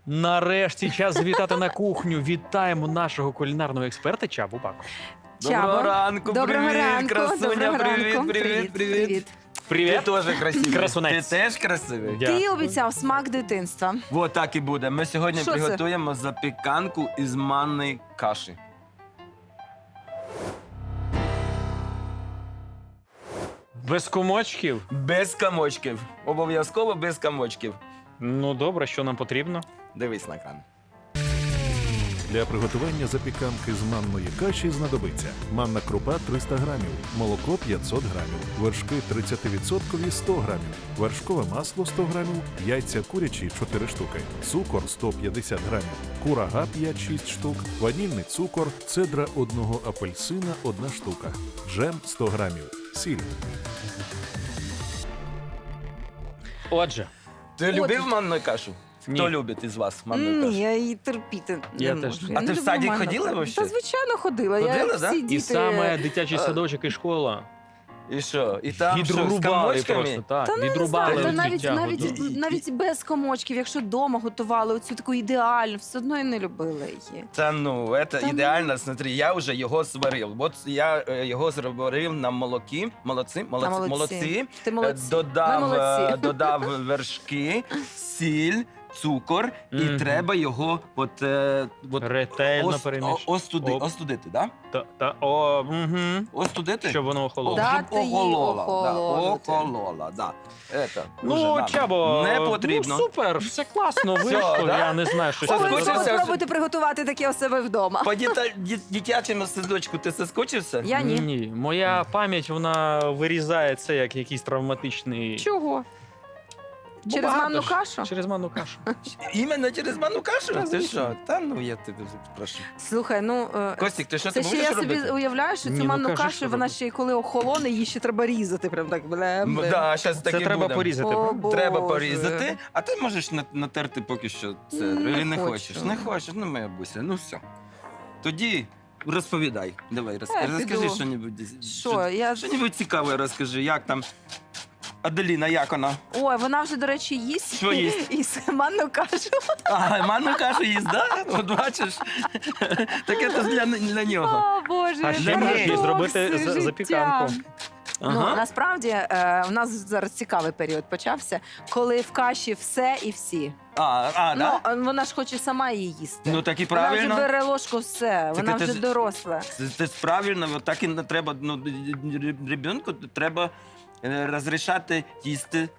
Нарешті час завітати на кухню. Вітаємо нашого кулінарного експерта Чабу Баку. Доброго ранку, Доброго привіт, ранку, красуня, доброго привіт, ранку. привіт. Привіт. Ти Привіт. теж красивий. Красунець. Ти теж красивий? Ти обіцяв смак дитинства. Вот так і буде. Ми сьогодні Що це? приготуємо запіканку із манної каші. Без комочків? Без комочків. Обов'язково без комочків. Ну добре, що нам потрібно? Дивись на екран. Для приготування запіканки з манної каші знадобиться манна крупа 300 грамів, молоко 500 грамів, вершки 30% 100 грамів, вершкове масло 100 грамів, яйця курячі 4 штуки, цукор 150 грамів, курага 5-6 штук, ванільний цукор, цедра одного апельсина 1 штука, джем 100 грамів, сіль. Отже, Ти любив манну кашу? Ні. Хто любить із вас манну Ні, кашу? я її терпіти Я не теж. можу. А Я ти не в люблю садик манну ходила кашу. вообще? Та звичайно ходила. Ходила, Я да? всі і діти... саме дитячий садочок і школа І що? І там що, з відрубали комочками? просто, так, Та ну, не відрубали знаю, та від навіть, життя, навіть, готові. навіть без комочків, якщо вдома готували оцю таку ідеальну, все одно я не любила її. Та ну, це Та ну. ідеально, смотри, я вже його сварив. От я його зварив на молоці, молодці. Ти молодці. Ми Додав, молодці. додав вершки, сіль, цукор, і Мгм. треба його Ретельно перемішати. Оп. остудити, да? Угу. Остудити? Щоб воно охололо. Дати їй охолонути. Охолола, да. Уже Ну, надо. Чабо, Не потрібно. Ну, супер, все класно вийшло. да? Я не знаю, що Соскучився? Обов'язково спробуйте приготувати таке у себе вдома. По дитячому садочку ти соскучився? Я ні. Ні, моя пам'ять, вона вирізає це як якийсь травматичний... Чого? Бо Через багато манну ж. кашу? Через манну кашу. Іменно через манну кашу? Та, Ти звісно. що? Та ну я тебе прошу. Слухай, ну... Костік, ти що Це ти ще будеш я собі робити? уявляю, що Ні, цю ну, манну кажи, кашу, що вона робити. ще й коли охолоне, її ще треба різати. Прям так блем. Да, зараз Це таки треба буде. порізати. О, правда? Треба Боже. порізати, а ти можеш натерти поки що це. Не Не хочу. хочеш, не хочеш, ну моя буся, ну все. Тоді розповідай. Давай, розкажи піду. що-небудь. Що, я... Що-небудь цікаве розкажи, як там Аделіна, як вона? Ой, вона вже, до речі, їсть. Що їсть? Їсть манну кашу. А, манну кашу їсть, да? От бачиш? Таке то для нього. О, Боже, А ще можеш їй зробити парадокс запіканку. життя. Ага. Ну, насправді, у нас зараз цікавий період почався, коли в каші все і всі. Да? Ну, вона ж хоче сама її їсти. Ну так і Вона правильно. вже бере ложку, все, вона ти вже ж- доросла. Це правильно, от так і не треба, ну, ребенку треба розрішати їсти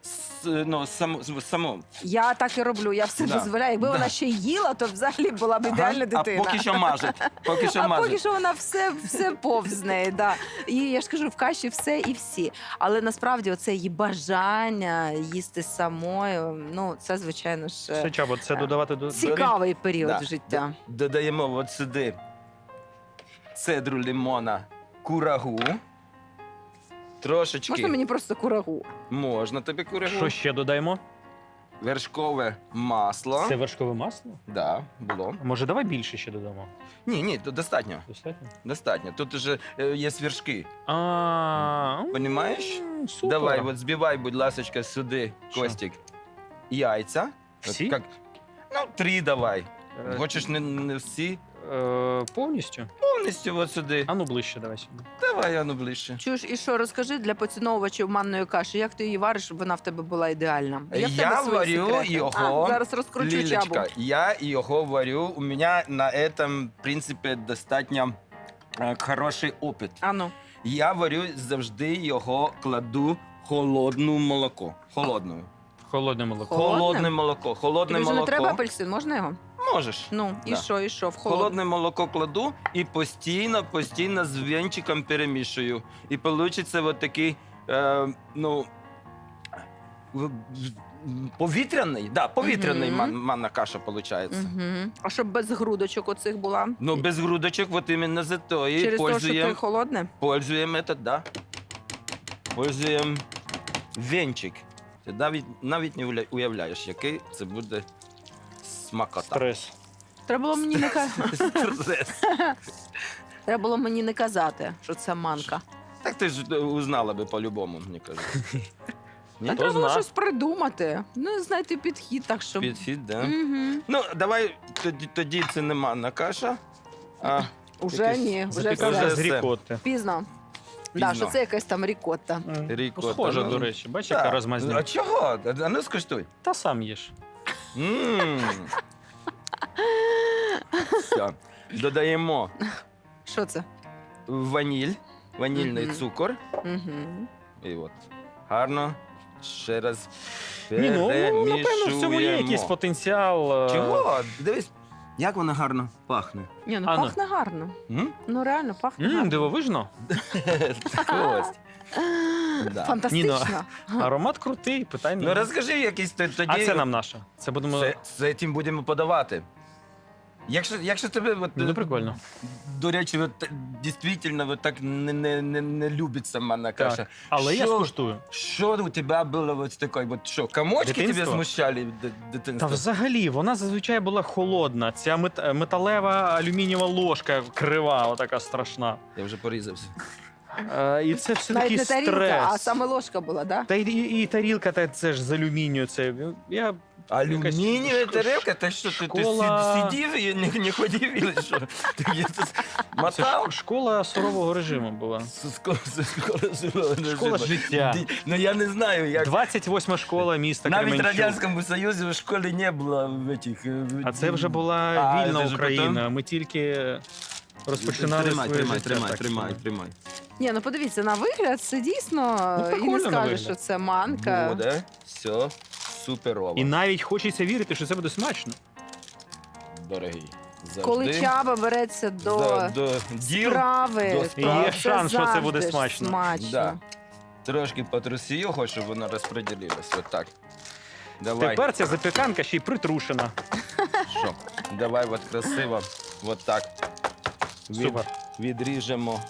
самому. Я так і роблю, я все Да. дозволяю. Якби Да. вона ще й їла, то взагалі була б ідеальна дитина. А поки що маже. Поки що А маже. поки що вона все повз неї, да. І я ж кажу, в каші все і всі. Але насправді оце її бажання їсти самою, ну це, звичайно ж, Все, Чабо, це додавати до... цікавий період Да. життя. Додаємо от сюди цедру лимона, курагу. Трошечки. Можна мені просто курагу? Можна тобі курагу. Що ще додаємо? Вершкове масло. Це вершкове масло? Да, було. Може, давай більше ще додамо? Ні, то достатньо. Достатньо? Достатньо. Тут уже є вершки. А, Понімаєш? Супер. Давай, от збивай, будь ласка, сюди, Що? Костік, яйця. От Всі? як- Ну, 3 давай. Е, Хочеш не всі? Повністю? Повністю от сюди. А ну ближче давай сюди. Давай, ану ближче. Чуєш, і що, розкажи для поціновувачів манної каші, як ти її вариш, щоб вона в тебе була ідеальна? Є в Я тебе свої варю секрети? його, Зараз розкручу чабу. Лілечка, я його варю. У мене на этом, в принципі, достатньо хороший опит. Ану. Я варю завжди його, кладу холодне молоко. Холодне. Холодне молоко. Холодне? Холодне молоко. Холодне Тобі вже не молоко. треба апельсин, можна його? Можеш. Ну, і Да. що, і що? В холодне. Холодне молоко кладу і постійно з венчиком перемішую. І вийде от такий, ну, повітряний, повітряний Мгм. манна каша виходить. Угу. А щоб без грудочок оцих була? Ну, без грудочок, вот именно за то і Через те, що ти пользуємо холодне? этот, да. Пользуємо венчик. Ти навіть не уявляєш, який це буде смакота. Стрес. Треба було мені не казати. Стрес. Треба було мені не казати, що це манка. Так ти ж узнала би по-любому, мені кажуть. Ні? Та Хто треба було зна? щось придумати. Ну, знайти підхід, так щоб. Підхід, да? Мгм. Ну, давай, тоді це не манна каша, а Уже якийсь ні, вже Запіканка все. з рікотти. Пізно. Пізно. Да, що це якась там рікотта. Рікотта. Схоже, Ну, до речі. Бачиш, так. яка А розмазня. чого? А ну скуштуй. Та сам їж. М. Все. Додаємо Що це? ванільний Мгм. цукор. Угу. І от. Гарно. Ще раз Ні, ну, напевно, в цьому є якийсь перемішуємо. потенціал. Чого? Дивись, як вона гарно пахне. Ні, ну Анна. пахне гарно. М? Ну реально пахне гарно. Дивовижно. Кость. Да. Фантастично. Аромат крутий, питань Ну немає. розкажи якийсь тоді. А це нам наша. Це будемо. Це тим будемо подавати. Якщо тебе от, Ну, прикольно. до речі, от, дійсно от так не любить сама на Так. каша. Але я Що? скуштую. Що у тебе було от таке? От що, комочки тебе Дитинство? смущали в Та дитинстві? взагалі, вона зазвичай була холодна. Ця металева алюмінієва ложка крива, отака страшна. Я вже порізався. І це все Навіть такий не тарілка, стрес. а саме ложка була, да? Та і тарілка, та це ж з алюмінію. Це я Алюмінієва Якась тарелка? Та що, ти школа- сидів і не ходив, і що? Ти є тут це мотав? школа сурового режиму була. Школа життя. Ну я не знаю, як. 28 школа міста Навіть в Кременчук. Радянському Союзі в школі не було в этих... А це вже була А, вільна це ж Україна. Ми тільки розпочинали своє життя. так що- тримай. Ні, ну подивіться, на вигляд це дійсно Ну, і прикольно не на скажеш, вигляд. що це манка. Буде, все, суперово. І навіть хочеться вірити, що це буде смачно. Дорогий. Завжди. Коли Чаба береться до до діл, справи, до то справ. Є шанс, що це буде завжди ж смачно. Да. Трошки потряси його, щоб воно розподілилось. От так. Давай. Тепер ця запіканка ще й притрушена. Що? Давай от красиво. От так. Супер. Відріжемо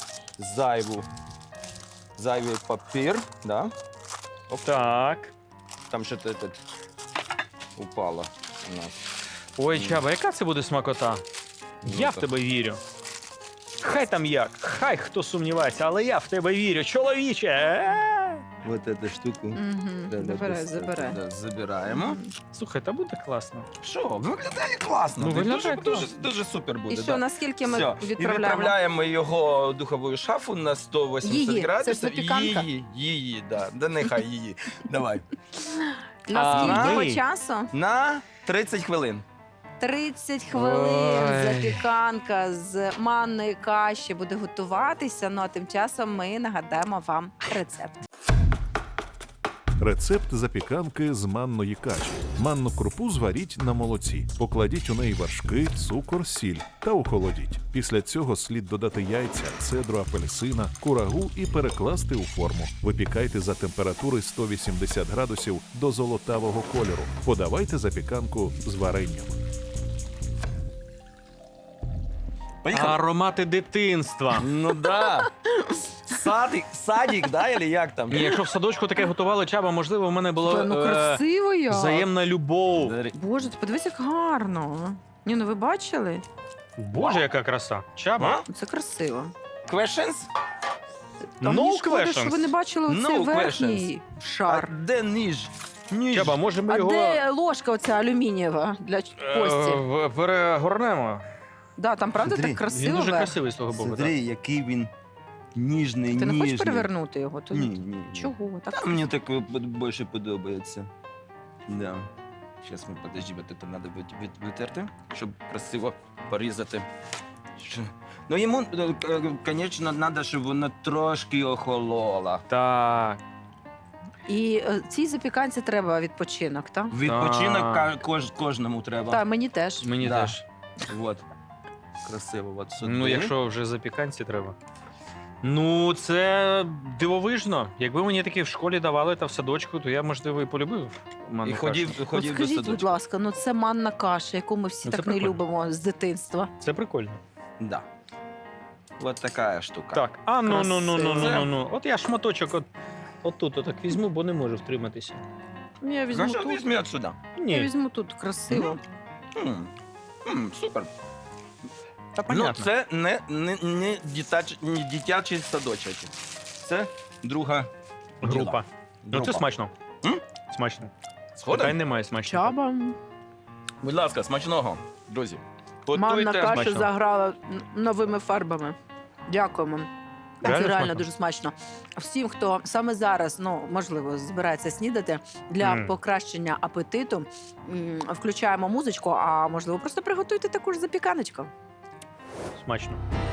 зайвий папір. Да? Так. Там що то тут упало у нас. Ой, Чаба, яка це буде смакота? Я в Ну-ка. тебе вірю. Хай там як, хай хто сумнівається, але я в тебе вірю, чоловіче. Вот эту штуку. Угу. Забирай. Да, забираємо. Слухай, та буде класно. Що, виглядає класно. Ну, виглядає дуже, класно. дуже супер буде. І що, да. наскільки ми Все. І відправляємо? відправляємо його в духову шафу на 180 Її. Це ж градусів. запіканка? Її, да. Да нехай її. Давай. На скільки Ага. часу? На 30 хвилин. 30 хвилин Ой. запіканка з манної каші буде готуватися. Ну а тим часом ми нагадаємо вам рецепт. Рецепт запіканки з манної каші. Манну крупу зваріть на молоці. Покладіть у неї вершки, цукор, сіль та охолодіть. Після цього слід додати яйця, цедру апельсина, курагу і перекласти у форму. Випікайте за температури 180 градусів до золотавого кольору. Подавайте запіканку з варенням. Поїхали. Аромати дитинства. Ну да. Садик, да, или як там? Ні, якщо в садочку таке готували, Чаба, можливо, в мене була Ну красиво як. взаємна любов. Боже, ти подивись, як гарно. Ні, ну ви бачили? Боже, яка краса. Чаба. Це красиво. Questions? Та No мені шкода, що ви не questions. бачили оцей No верхній шар. А де ніж? Ніж. Чаба, може ми А його де ложка оця алюмінієва для кості? перегорнемо? Да, там правда Смотри, так красиво. Він дуже верх. красивий з того боку. Смотри, який він ніжний, Ти не ніжний. хочеш перевернути його? То Ні, ні. чого? Так Та мені так більше подобається. Да. Зараз ми, подожди, вот это надо витерти, щоб красиво порізати. Ну йому, звісно, треба, щоб воно трошки охололо. Так. І цій запіканці треба відпочинок, так? Відпочинок Так. кожному треба. Так, мені теж. Мені Да. теж. Вот. Красиво, от сюди. Ну, якщо вже запіканці треба. Ну, це дивовижно. Якби мені таке в школі давали та в садочку, то я, можливо, і полюбив манну І кашу. ходів От до скажіть, будь садочку. ласка, ну це манна каша, яку ми всі Ну, це так не прикольно. любимо з дитинства. Це прикольно. Да. Вот така штука. Так, а ну. Красиво. От я шматочок отут отак візьму, бо не можу втриматися. Я візьму Хорошо, тут. візьми отсюда. Я Ні, візьму тут красиво. Супер. та Ну, понятно. це не дитячий садочок. Це друга Група. Ну, це Група. смачно. Смачно. Сходи? Питань немає смачно. Чаба. Будь ласка, смачного, друзі. Манна Готуйте. каша Смачно. заграла новими фарбами. Дякуємо. Це Реально реально смачно? дуже смачно. Всім, хто саме зараз, ну можливо, збирається снідати для покращення апетиту, включаємо музичку, а можливо, просто приготуйте таку ж запіканочку. Смачно.